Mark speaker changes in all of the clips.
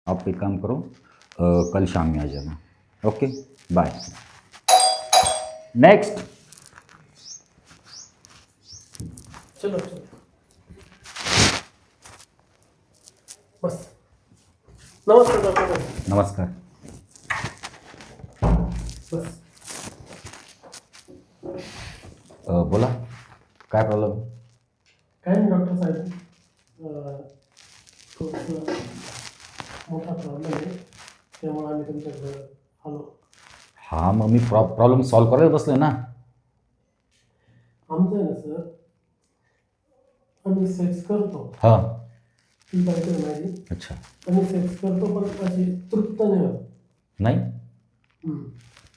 Speaker 1: आप एक काम करो, कल शाम में आ जाना। Okay, bye. नेक्स्ट।
Speaker 2: चलो चलो बस। नमस्कार डॉक्टर.
Speaker 1: नमस्कार.
Speaker 2: बस.
Speaker 1: बोला, काय प्रॉब्लेम?
Speaker 2: काय नाही डॉक्टर साहेब, थोडंसं मोठा प्रॉब्लेम आहे, त्यामुळे आम्ही तुमच्याकडे आलो.
Speaker 1: हां, मग मी प्रॉब्लेम सॉल्व करायला बसलोय ना.
Speaker 2: आमचं आहे ना सर, आम्ही सेक्स करतो,
Speaker 1: हां.
Speaker 2: ती बायको माझी.
Speaker 1: अच्छा.
Speaker 2: आम्ही सेक्स करतो पण अशी तृप्त नाही होत.
Speaker 1: नाही.
Speaker 2: हम्म.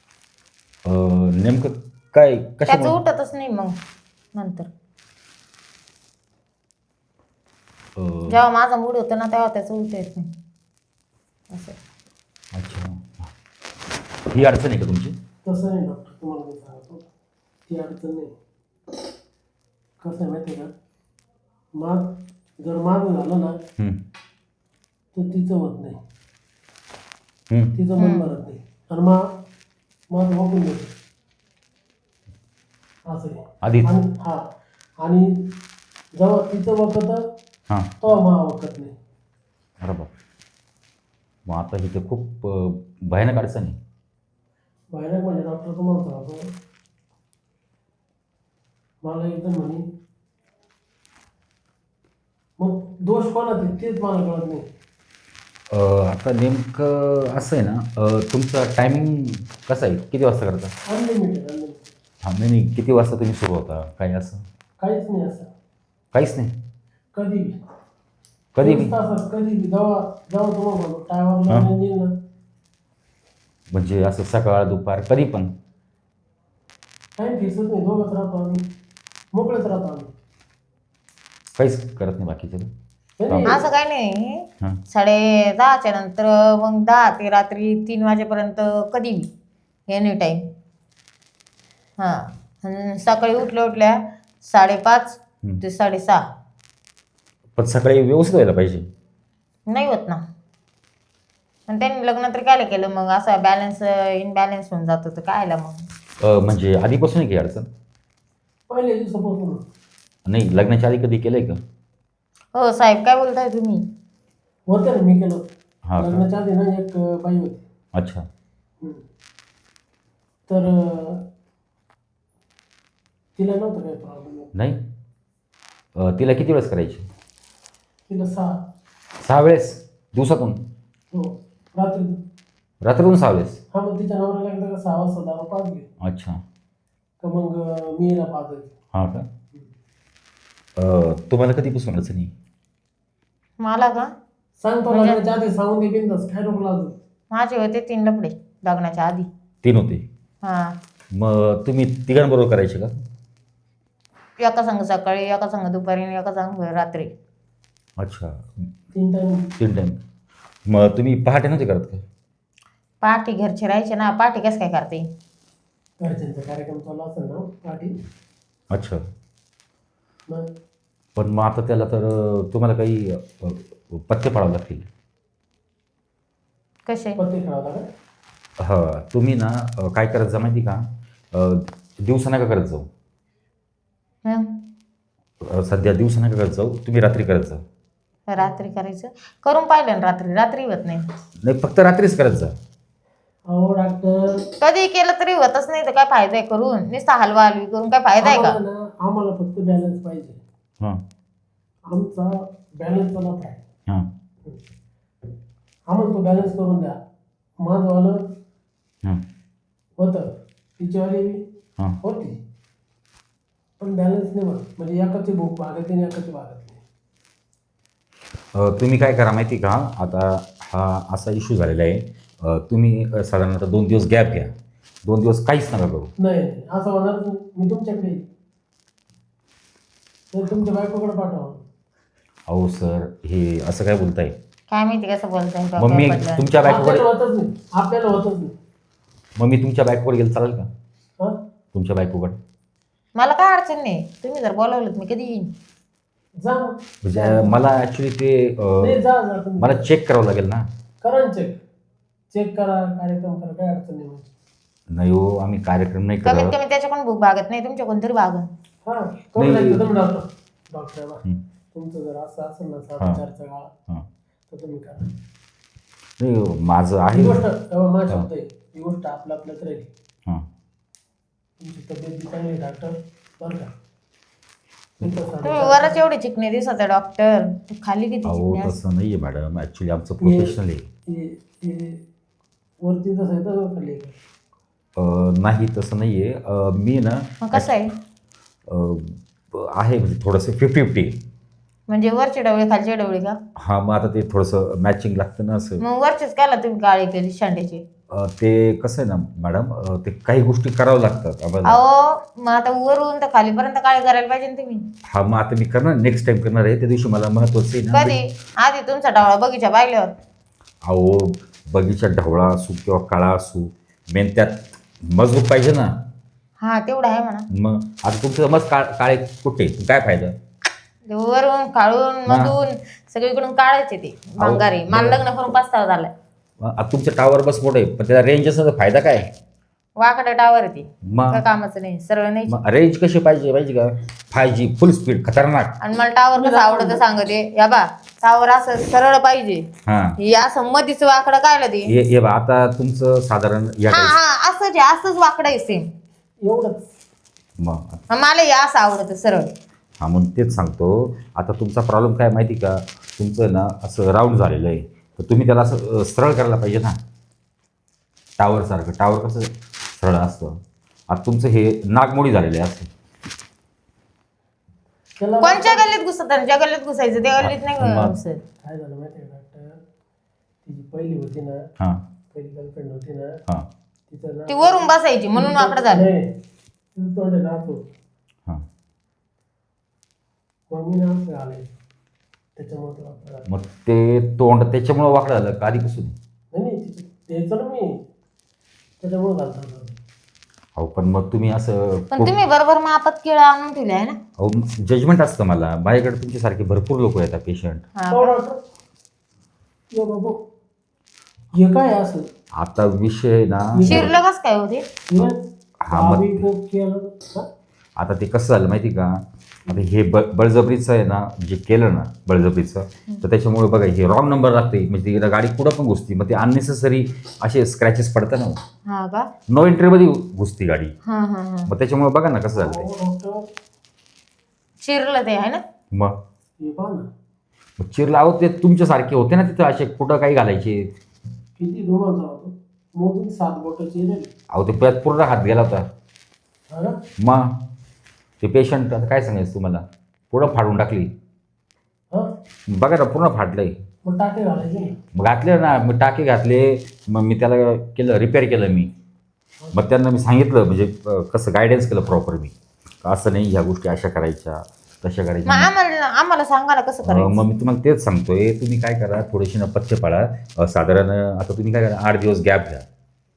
Speaker 1: नेमकं काय
Speaker 3: त्याचं
Speaker 1: कशामुळे?
Speaker 3: उठतच नाही मग नंतर.
Speaker 1: अं,
Speaker 3: जेव्हा माझा मूड होतो ना तेव्हा त्याचं उठ येत नाही असं.
Speaker 1: अच्छा, ही अडचण आहे का तुमची?
Speaker 2: तसं नाही डॉक्टर, तुम्हाला मी सांगतो, ती अडचण नाही. कसं आहे माहिती आहे का, जर माझं झालं ना
Speaker 1: हं,
Speaker 2: तर तिचं होत नाही,
Speaker 1: हं.
Speaker 2: तिचं मन भरत नाही, आणि माझं वाकून देतो असं आहे.
Speaker 1: आधीच?
Speaker 2: आणि जेव्हा तिचं वखत
Speaker 1: हां,
Speaker 2: तेव्हा मला वखत नाही.
Speaker 1: बरोबर. मग आता ही तर खूप भयानक अडचण आहे.
Speaker 2: भयानक म्हणजे डॉक्टर तुम्हाला सांगतो, मला एकदम म्हणे, मग दोष कोणाचा आहे तेच मला कळत नाही.
Speaker 1: आता नेमकं असं आहे ना, तुमचं टायमिंग कसं आहे? किती वाजता करता?
Speaker 2: अनलिमिटेड.
Speaker 1: हां, नाही, किती वाजता तुम्ही सुरू होता? काही असं
Speaker 2: काहीच नाही असं.
Speaker 1: काहीच नाही?
Speaker 2: कधी बी,
Speaker 1: कधी बी?
Speaker 2: 24 तासात कधी बी, जेव्हा जेव्हा तुम्हाला म्हणतो टायवर लावून येईल ना,
Speaker 1: म्हणजे असं सकाळ दुपार कधी पण?
Speaker 2: टाईम फिक्सच नाही. दोघंच राहतो आम्ही, मोकळेच राहतो आम्ही.
Speaker 1: काहीच करत नाही बाकीचं?
Speaker 2: नाही,
Speaker 3: असं काही नाही.
Speaker 1: हां.
Speaker 3: 10:30च्या नंतर मग 10 ते रात्री 3 वाजेपर्यंत कधी बी एनी टाईम. हां, आणि सकाळी उठल्या 5:30 ते 6:30.
Speaker 1: पण सकाळी व्यवस्थित व्हायला पाहिजे.
Speaker 3: नाही होत ना. आणि त्यांनी लग्न तर काय केलं मग, असं बॅलन्स इनबॅलन्स होऊन जातं तर कायला मग.
Speaker 1: म्हणजे आधीपासून आहे की अडचण?
Speaker 2: पहिल्या दिवसापासून.
Speaker 1: नाही, लग्नाच्या आधी कधी केलंय का?
Speaker 3: हो साहेब, काय बोलताय तुम्ही?
Speaker 2: होतं ना, मी केलं.
Speaker 1: हां का?
Speaker 2: लग्नाच्या आधी ना एक बाई होती.
Speaker 1: अच्छा.
Speaker 2: तर तिला नव्हतं काही प्रॉब्लेम.
Speaker 1: नाही. तिला किती वेळेस करायची?
Speaker 2: तिला 6.
Speaker 1: 6 वेळेस दिवसातून?
Speaker 2: हो, रात्री.
Speaker 1: रात्रीतून 6 वेळेस?
Speaker 2: हा, मग तिच्या नवऱ्याला एकदा का 6 वाजता दारू पाजली
Speaker 1: अच्छा.
Speaker 2: का मग मी हिला पाजायची.
Speaker 1: हां का? तुम्हाला कधीपासून अडचण आहे?
Speaker 3: मला का?
Speaker 2: सांगतो
Speaker 3: म्हणजे-
Speaker 2: लग्नाच्या आधी सांगून दे बिंदास, काय नको लाजू.
Speaker 3: माझे होते 3 लफडे लग्नाच्या आधी.
Speaker 1: 3 होते?
Speaker 3: हां,
Speaker 1: मग तुम्ही तिघांबरोबर करायचे का?
Speaker 3: एका संघ सकाळी, एका संघ दुपारी आणि एका संघ रात्री.
Speaker 1: अच्छा,
Speaker 2: 3 टाइम.
Speaker 1: 3 टाईम. मग तुम्ही पहाटे नव्हते करत का?
Speaker 3: पहाटे घरचे राहायचे ना, पहाटे कसं काय करते?
Speaker 2: घरच्यांचा कार्यक्रम चालू असेल ना पाठी,
Speaker 1: अच्छा.
Speaker 2: मग
Speaker 1: पण मग आता त्याला तर तुम्हाला काही पथ्य पाळावं लागतील.
Speaker 3: कसे?
Speaker 2: पत्ते खेळावं का?
Speaker 1: हां, तुम्ही ना काय करत जा माहिती का, दिवसा नका करत जाऊ.
Speaker 3: हं?
Speaker 1: सध्या दिवसा नका करत जाऊ, तुम्ही रात्री करत जा.
Speaker 3: रात्री करायचं. करून पाहिलं ना रात्री होत नाही.
Speaker 1: नाही, फक्त रात्रीच करत जा.
Speaker 2: अहो डॉक्टर,
Speaker 3: कधी केलं तरी होतच नाही तर काय फायदा आहे करून? नुसता हलवा हलवी करून काय फायदा आहे का?
Speaker 2: आम्हाला फक्त बॅलन्स पाहिजे.
Speaker 1: हां,
Speaker 2: आमचा बॅलन्सचा लफ आहे.
Speaker 1: हां,
Speaker 2: आम्हाला तो बॅलन्स करून द्या. माझंवालं
Speaker 1: हां,
Speaker 2: होतं, तिच्यावाली
Speaker 1: हां.
Speaker 2: होती, पण बॅलन्स नाही होत. म्हणजे एकाची भूक भागत नाही, एकाची भागत नाही.
Speaker 1: तुम्ही काय करा माहिती का, आता हा असा इश्यू झालेला आहे, तुम्ही साधारणतः 2 दिवस गॅप घ्या. 2 दिवस काहीच नका करू.
Speaker 2: नाही नाही, असं होणार नाही. मी तुमच्याकडे येईन. तर तुमच्या बायकोकडे पाठवा.
Speaker 1: अहो सर, हे असं काय बोलताय?
Speaker 3: काय माहिती कसं बोलताय
Speaker 1: मग
Speaker 3: डोक्यावर
Speaker 1: मी
Speaker 3: पडलं.
Speaker 1: तुमच्या बायकोकडे
Speaker 2: आपल्याला होतच नाही, आपल्याला होतच नाही.
Speaker 1: मग मी तुमच्या बायकोकडे गेलं चालेल का?
Speaker 2: हा,
Speaker 1: तुमच्या बायकोकडे
Speaker 3: मला काय अडचण नाही. तुम्ही जर बोलावलं मी कधी येईन.
Speaker 2: जा मग.
Speaker 1: म्हणजे मला ॲक्च्युली ते
Speaker 2: नाही, जा जा तुम्ही.
Speaker 1: मला चेक करावं लागेल ना.
Speaker 2: ना चेक करा, कार्यक्रम करा, काय अडचण नाही म्हणजे.
Speaker 1: नाही हो, आम्ही कार्यक्रम नाही
Speaker 3: कमीत
Speaker 1: करत.
Speaker 3: कमी त्याच्याकडून भूक भागत नाही, तुमच्याकडून तरी भागन.
Speaker 2: हा करून
Speaker 1: नाही.
Speaker 2: जायचं तुम्ही डॉक्टरला
Speaker 1: हं.
Speaker 2: तुमचं जर असं असेल ना
Speaker 1: हां.
Speaker 2: 4चा काळ
Speaker 1: हां.
Speaker 2: तर तुम्ही करा.
Speaker 1: नाही हो, माझं
Speaker 2: ही
Speaker 1: आहे.
Speaker 2: गोष्ट तेव्हा माझा शब्द आहे, ही गोष्ट आपल्यात राहील.
Speaker 1: हां.
Speaker 2: तुमची तब्येत बी चांगली आहे डॉक्टर, बरं का. तुमचं
Speaker 3: तुम्ही
Speaker 2: 4.5
Speaker 3: वरच एवढे चिकणे दिसत आहे डॉक्टर, खाली किती
Speaker 1: अहो
Speaker 3: चिकणे असतात.
Speaker 1: तसं नाही आहे मॅडम, ॲक्च्युली आमचं प्रोफेशनल आहे.
Speaker 2: वरती तसं आहे तसं खाली आहे.
Speaker 1: नाही तसं नाही आहे. मी ना
Speaker 3: मग कसं आहे
Speaker 1: आहे म्हणजे थोडंसं 50-50.
Speaker 3: म्हणजे वरचे डवळे खालचे डवळे का?
Speaker 1: हां, मग आता ते थोडंसं मॅचिंग लागतं ना असं.
Speaker 3: मग वरचेच कायला तुम्ही काळे केली शांड्याचे?
Speaker 1: ते कसं आहे ना मॅडम, ते काही गोष्टी करावं लागतात आम्हाला.
Speaker 3: अहो मग आता वरून तर खालीपर्यंत काळे करायला पाहिजे ना तुम्ही.
Speaker 1: हा, मग आता मी करणार, नेक्स्ट टाइम करणार आहे. त्या दिवशी मला महत्त्वाचं आहे ना.
Speaker 3: कधी? आधी तुमचा डवळा बगीचा पाहिल्यावर.
Speaker 1: अहो, बगीचा ढवळा असू किंवा काळा असू, मेन त्यात मजबूत पाहिजे ना.
Speaker 3: हा तेवढं आहे म्हणा.
Speaker 1: मग आता तुमचं मस्त काळे कुठे, काय फायदा?
Speaker 3: ते वरून काढून मधून सगळीकडून काढायचे ते भंगारी. मला लग्न करून पस्तावा झालाय.
Speaker 1: आता तुमचं टावर बस मोठं आहे, पण त्याला रेंज असं तर फायदा काय?
Speaker 3: वाकडं टावर आहे ते,
Speaker 1: मग
Speaker 3: काय कामाचं नाही, सरळ नाही.
Speaker 1: रेंज कशी पाहिजे माहिती का? 5G फुल स्पीड खतरनाक.
Speaker 3: आणि मला टावर कसं आवडतं सांगते, या बा टावर असं सरळ पाहिजे.
Speaker 1: हां,
Speaker 3: हे असं मधीच वाकडं कायला ते?
Speaker 1: हे बा आता तुमचं साधारण या
Speaker 3: हा
Speaker 1: टाईप.
Speaker 3: हा असंच आहे, असंच वाकडं आहे सेम.
Speaker 2: एवढंच.
Speaker 1: मग
Speaker 3: मला हे असं आवडतं सरळ.
Speaker 1: हा, म्हणून तेच सांगतो. आता तुमचा प्रॉब्लेम काय माहिती का? तुमचं ना असं राऊंड झालेलं आहे, तर तुम्ही त्याला असं सरळ करायला पाहिजे ना, टावरसारखं. टावर कसं सरळ असतं. आता तुमचं हे नागमोडी झालेलं आहे असं.
Speaker 2: त्याला
Speaker 3: कोणच्या गल्लीत घुसत, ज्या गल्लीत घुसायचं त्या गल्लीत नाही
Speaker 1: मग.
Speaker 3: घुसत.
Speaker 2: काय झालं माहिती आहे डॉक्टर, तिची पहिली होती ना,
Speaker 1: हां
Speaker 2: पहिली गर्लफ्रेंड होती ना,
Speaker 1: हां
Speaker 2: तिचं
Speaker 3: ती वरून बसायची म्हणून वाकडं झालं.
Speaker 2: नाही, तिचं तोंड आहे ना असं.
Speaker 1: हां.
Speaker 2: मग मी ना असं आलंय, त्याच्यामुळे ते वाकडं झालं.
Speaker 1: मग ते तोंड त्याच्यामुळं वाकडं झालं का आधीपासून?
Speaker 2: नाही तिचं द्यायचं ना मी, त्याच्यामुळे झालं होतं.
Speaker 1: अहो पण मग तुम्ही असं
Speaker 3: पण तुम्ही बरोबर मापात केळं आणून ठेवले आहे ना.
Speaker 1: अहो जजमेंट असतं मला. माझ्याकडे तुमच्यासारखे भरपूर लोक येतात पेशंट.
Speaker 3: हा
Speaker 2: हो डॉक्टर, यो बाबू हे काय आहे असं?
Speaker 1: आता विषय ना,
Speaker 3: शिरलं कस काय होते?
Speaker 1: हा, मग-
Speaker 2: आम्ही खूप केलं हा?
Speaker 1: आता ते कसं झालं माहिती का? आता हे बळजबरीचं आहे ना, जे केलं ना बळजबरीचं, तर त्याच्यामुळे बघा हे रॉंग नंबर लागते. म्हणजे एकदा गाडी कुठं पण घुसती, मग ते अननेसेसरी असे स्क्रॅचेस पडतात ना.
Speaker 3: हा का?
Speaker 1: नो एंट्रीमध्ये घुसती गाडी.
Speaker 3: हा हा हा.
Speaker 1: मग त्याच्यामुळे बघा ना कसं झालं ते.
Speaker 2: हो डॉक्टर,
Speaker 3: शिरलं ते आहे ना.
Speaker 1: मग
Speaker 2: हे पहा ना,
Speaker 1: मग चिरला. अहो ते तुमच्यासारखे होते ना तिथं, असे कुठं काही घालायचे.
Speaker 2: किती धुमाचा होतो, मोजून 7 बोटाची रेल.
Speaker 1: अहो ते त्यात पूर्ण हात गेला होता.
Speaker 2: हा ना?
Speaker 1: मग ते पेशंट आता काय सांगायचं तुम्हाला, पूर्ण फाडून टाकली.
Speaker 2: हा?
Speaker 1: बघा ना पूर्ण फाटलंय.
Speaker 2: मग टाके घालायचे ना.
Speaker 1: मग घातले ना, मग टाके घातले. मग मी त्याला केलं, रिपेअर केलं मी. मग त्यांना मी सांगितलं म्हणजे कसं गायडन्स केलं प्रॉपर मी, असं नाही ह्या गोष्टी अशा करायच्या तशा
Speaker 3: मग
Speaker 1: करायच्या.
Speaker 3: आम्हाला सांगा ना कसं करायचं.
Speaker 1: मग मी तुम्हाला तेच सांगतोय, तुम्ही काय करा, थोडीशी ना पथ्य पाळा. साधारण आता तुम्ही काय करा, 8 दिवस गॅप घ्या.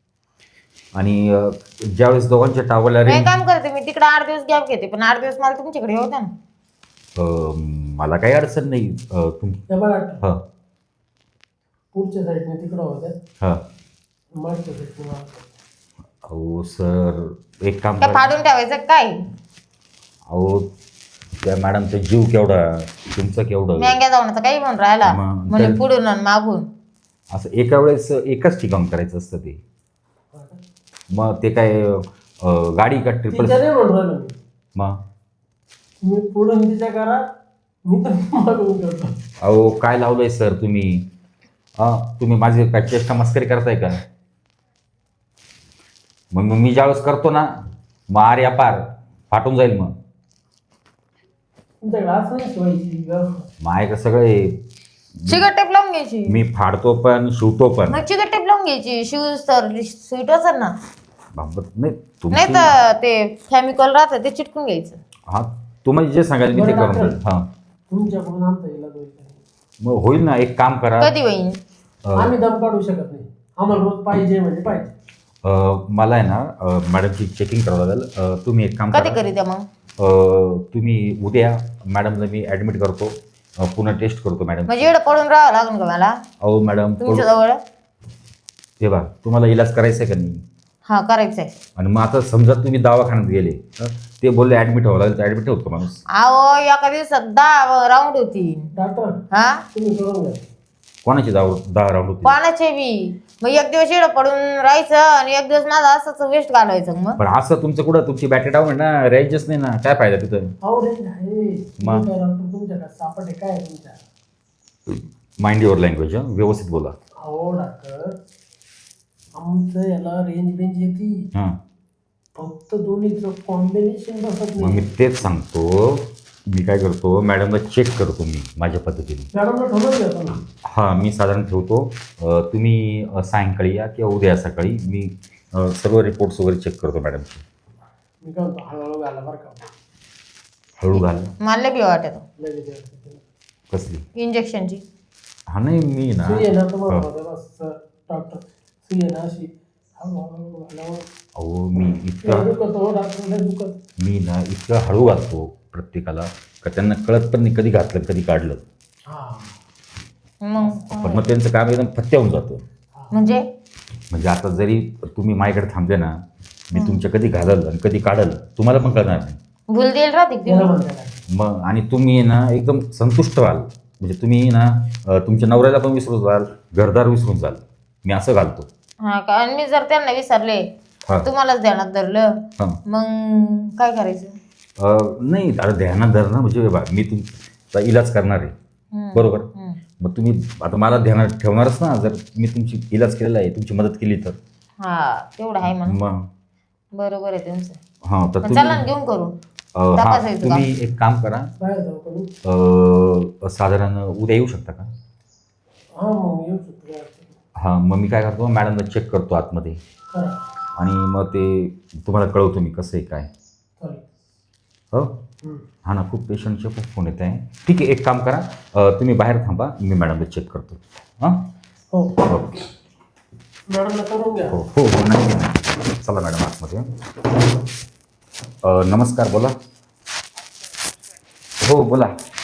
Speaker 1: आणि ज्यावेळेस दोघांच्या टावरला
Speaker 3: मी
Speaker 1: रेंज,
Speaker 3: काम करते, मी तिकडे 8 दिवस गॅप घेते, पण 8 दिवस मला तुमच्याकडे होता ना.
Speaker 1: मला काही अडचण नाही.
Speaker 2: त्या बघा डॉक्टर,
Speaker 1: हां
Speaker 2: पुढच्या साईडने तिकडं होत्या,
Speaker 1: हां.
Speaker 2: मागच्या साईडने मागच्या.
Speaker 1: अहो सर एक काम
Speaker 3: काय
Speaker 1: करा.
Speaker 3: फाडून ठेवायचं काय?
Speaker 1: अहो त्या मॅडमचा जीव केवढा, तुमचं केवढं.
Speaker 3: मेंग्या जाऊन काही म्हणून राहिला
Speaker 1: मग
Speaker 3: म्हणजे
Speaker 1: त्या-
Speaker 3: पुढून आणि मागून.
Speaker 1: असं एका वेळेस एकच ठिकाण करायचं असतं ते.
Speaker 2: हा का?
Speaker 1: मग ते काय गाडी का ट्रिपल.
Speaker 2: तिच्या नाही म्हणून राहिलो मी.
Speaker 1: मग
Speaker 2: तुम्ही पुढून तिच्या करा, मी तर मागून करतो.
Speaker 1: अहो काय लावलंय सर तुम्ही? तुम्ही माझी काय चेष्टा मस्करी करताय का? मग मी ज्यावेळेस करतो ना, मग आर्या पार फाटून जाईल. मग
Speaker 2: तुमच्याकडे असं नाही शिवायची व्यवस्था.
Speaker 1: माझ्याकडे सगळे,
Speaker 3: चिकट टेप लावून घ्यायची.
Speaker 1: मी फाडतो पण शिवतो पण.
Speaker 3: मग चिकट टेप लावून घ्यायची. शूज तर स्वीट असेल ना.
Speaker 1: बाबा, नाही
Speaker 3: नाही
Speaker 1: तुमची.
Speaker 3: तर ते केमिकल राहतं ते चिटकून घ्यायचं.
Speaker 1: हां, तुम्हाला जे सांगाल मी ते
Speaker 2: बरं,
Speaker 1: करून देईन. हां,
Speaker 2: तुमच्याकडून आमचा इलाज होईल का नाही?
Speaker 1: मग होईल ना. एक काम करा.
Speaker 3: कधी होईन?
Speaker 2: आम्ही दम काढू शकत नाही, आम्हाला रोज पाहिजे म्हणजे पाहिजे.
Speaker 1: मला आहे ना मॅडमची चेकिंग करावं लागेल. तुम्ही एक काम
Speaker 3: कधी
Speaker 1: करा.
Speaker 3: करीत मग?
Speaker 1: तुम्ही उद्या मॅडमला मी ॲडमिट करतो. पुन्हा टेस्ट करतो मॅडम.
Speaker 3: म्हणजे एवढं पडून राहावं लागेल का मला
Speaker 1: अहो मॅडम
Speaker 3: तुमच्या जवळ?
Speaker 1: हे बा तुम्हाला इलाज करायचा आहे का नाही?
Speaker 3: हा करायचं आहे.
Speaker 1: आणि मग आता समजा तुम्ही दवाखान्यात गेले ते बोलले ॲडमिट व्हावं लागेल तर ॲडमिट होतो का माणूस?
Speaker 3: अहो एका दिवसात 10 राऊंड होती.
Speaker 2: डॉक्टर
Speaker 3: हा
Speaker 2: तुम्ही करून घ्या.
Speaker 1: कोणाची 10 राऊंड होती?
Speaker 3: कोणाचे बी. मग एक दिवस इकडं पडून राहायचं आणि एक दिवस माझा असंच वेस्ट घालवायचं. मग
Speaker 1: पण असं तुमचं कुठं तुमची बॅटरी डाऊन आहे ना, रेंजच नाही ना, काय फायदा तिथं?
Speaker 2: अहो रेंज आहे.
Speaker 1: मग?
Speaker 2: तुम्ही काय डॉक्टर तुमच्याकडे सापडे काय आहे तुमच्या?
Speaker 1: माइंड युअर लँग्वेज, व्यवस्थित बोला.
Speaker 2: अहो डॉक्टर आमचं याला रेंज येते,
Speaker 1: हां
Speaker 2: फक्त दोन्हीचं कॉम्बिनेशन बसत
Speaker 1: मग मी
Speaker 2: नाही.
Speaker 1: तेच सांगतो. मी काय करतो, मॅडमला चेक करतो मी माझ्या पद्धतीने.
Speaker 2: मॅडमला ठरवून घ्या तुम्ही.
Speaker 1: हां मी साधारण ठेवतो. तुम्ही सायंकाळी या किंवा उद्या सकाळी मी सर्व रिपोर्ट्स वगैरे चेक करतो मॅडमचे.
Speaker 2: मी काय म्हणतो हळूहळू घाला बरं का.
Speaker 1: हळू घाल.
Speaker 3: मला बी वाटत
Speaker 2: लगेच यायचं.
Speaker 1: कसली?
Speaker 3: इंजेक्शनची.
Speaker 1: हा नाही मी ना
Speaker 2: सुई आहे ना तुम्हाला
Speaker 1: हो.
Speaker 2: म्हणतो बस डॉक्टर सुई आहे ना अशी हळूहळू घालावं.
Speaker 1: अहो मी
Speaker 2: लय
Speaker 1: इतकं
Speaker 2: दुखत हो डॉक्टर लय दुखत.
Speaker 1: मी ना इतकं हळू घालतो प्रत्येकाला का त्यांना कळत पण नाही कधी घातलं कधी काढलं.
Speaker 2: हा
Speaker 3: मग
Speaker 1: पण मग त्यांचं काम एकदम फत्या होऊन जातं.
Speaker 3: म्हणजे
Speaker 1: म्हणजे आता जरी तुम्ही माझ्याकडे थांबले ना, मी तुमच्या कधी घालल आणि कधी काढल तुम्हाला पण कळणार नाही.
Speaker 3: भूल देईल राहते का
Speaker 2: त्याला
Speaker 3: तुम्ही?
Speaker 2: म्हणते काय.
Speaker 1: मग आणि तुम्ही ना एकदम संतुष्ट व्हाल. म्हणजे तुम्ही ना तुमच्या नवऱ्याला पण विसरून जाल, घरदार विसरून जाल. मी असं घालतो.
Speaker 3: हा का? आणि मी जर त्यांना विसरले
Speaker 1: हा
Speaker 3: तुम्हालाच ध्यानात धरलं
Speaker 1: हां
Speaker 3: मग काय करायचं?
Speaker 1: नाही अरे ध्यानात धरणं म्हणजे बा मी तुमचा इलाज करणार आहे
Speaker 3: हम्म.
Speaker 1: बरोबर.
Speaker 3: हम्म.
Speaker 1: मग तुम्ही आता मला ध्यानात ठेवणारच ना जर मी तुमची इलाज केलेला आहे, तुमची मदत केली तर.
Speaker 3: हा तेवढं आहे म्हणून.
Speaker 1: मग
Speaker 3: बरोबर आहे तुमचं.
Speaker 1: हां तर
Speaker 3: मग चला ना
Speaker 1: तुम्ही
Speaker 3: घेऊन करू.
Speaker 1: हां
Speaker 3: तपासायचं का?
Speaker 1: तुम्ही एक काम करा.
Speaker 2: बाहेर जाऊ का मी?
Speaker 1: साधारण उद्या येऊ शकता का?
Speaker 2: हा मग येऊ शकतो काय अडचण नाही.
Speaker 1: हां मग मी काय करतो मॅडमला चेक करतो आतमध्ये
Speaker 2: करा
Speaker 1: आणि मग ते तुम्हाला कळवतो मी कसं आहे काय.
Speaker 2: चालेल.
Speaker 1: हो
Speaker 2: हम्म.
Speaker 1: हां ना खूप पेशंटचे खूप फोन येत आहे. ठीक आहे एक काम करा तुम्ही बाहेर थांबा मी मॅडमला चेक करतो. हां
Speaker 2: हो
Speaker 1: ओके
Speaker 2: मॅडमला करून घ्या.
Speaker 1: हो हो हो नाही नाही. चला मॅडम आतमध्ये. नमस्कार बोला. हो बोला.